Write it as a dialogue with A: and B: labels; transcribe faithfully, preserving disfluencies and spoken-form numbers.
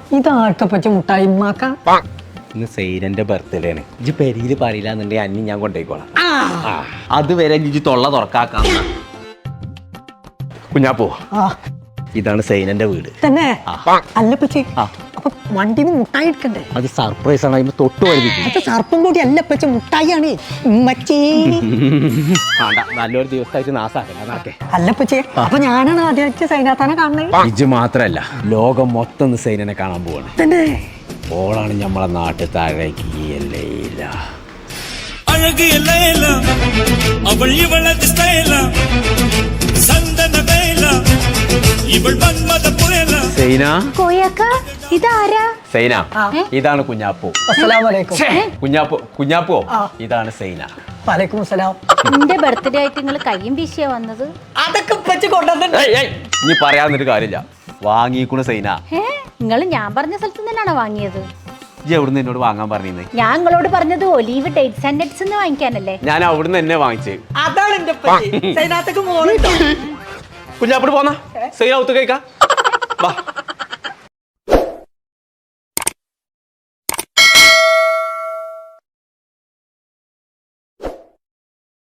A: ഇതാട്ടപ്പച്ച മുട്ടായി ഉമ്മാക്ക.
B: ഇന്ന് സൈനന്റെ ബർത്ത്ഡേ ആണ്. ഇജ്ജ് പെരിയില് പറയില്ല എന്നുണ്ടെങ്കിൽ അന്നി ഞാൻ കൊണ്ടുപോയിക്കോളാം. അതുവരെ ഇജ്ജ് തൊള്ള തുറക്കാക്കാം. കുഞ്ഞാപ്പോ, ഇതാണ് സൈനന്റെ വീട്
A: തന്നെ. അല്ലപ്പച്ചി, അപ്പൊ വണ്ടിന്ന് മുട്ടായി എടുക്കണ്ടേ?
B: അത് സർപ്രൈസ് ആണ്. അതിന് തൊട്ട് വലുത്
A: അത് സർപ്പം കൂടി അല്ലപ്പച്ച മുട്ടായിയാണ്.
B: നല്ലൊരു ദിവസമായിട്ട് നാസാക്കേ.
A: അല്ലപ്പച്ചേ, അപ്പൊ ഞാനാണ് ആദ്യമായിട്ട് സൈനാത്താനെ കാണുന്നത്.
B: ഇജ്ജ് മാത്രല്ല, ലോകം മൊത്തം സൈനനെ കാണാൻ പോവാണ്.
A: തന്നെ
B: ഓളാണ് നമ്മളെ നാട്ടിൽ താഴേക്ക് ഇതാണ് കുഞ്ഞാപ്പോ. കുഞ്ഞാപ്പോ കുഞ്ഞാപ്പോ ഇതാണ് സൈന.
A: വലൈക്കും അസ്സലാം.
C: എന്റെ ബർത്ത്ഡേ ആയിട്ട് നിങ്ങൾ കയ്യും വീശിയാ വന്നത്?
A: അതൊക്കെ
B: ഇനി പറയാന്നൊരു കാര്യമില്ല. വാങ്ങിക്കൂണ് സൈന.
C: നിങ്ങൾ ഞാൻ പറഞ്ഞ സ്ഥലത്ത് തന്നെയാണോ വാങ്ങിയത്?
B: ഇജ്ജ് എവിടുന്ന് എന്നോട് വാങ്ങാൻ പറഞ്ഞേ?
C: ഞാൻ നിങ്ങളോട് പറഞ്ഞത് ഒലീവ് ഡേറ്റ്സ് ആൻഡ് നട്ട്സ് വാങ്ങിക്കാനല്ലേ?
B: ഞാൻ അവിടുന്ന് തന്നെ വാങ്ങിച്ചേ.
A: അതാണ് എന്റെ സൈനാത്തക്ക്
B: കുഞ്ഞാപ്പോട് പോന്നാ സൈന ഒത്തു കഴിക്കാം. വാ.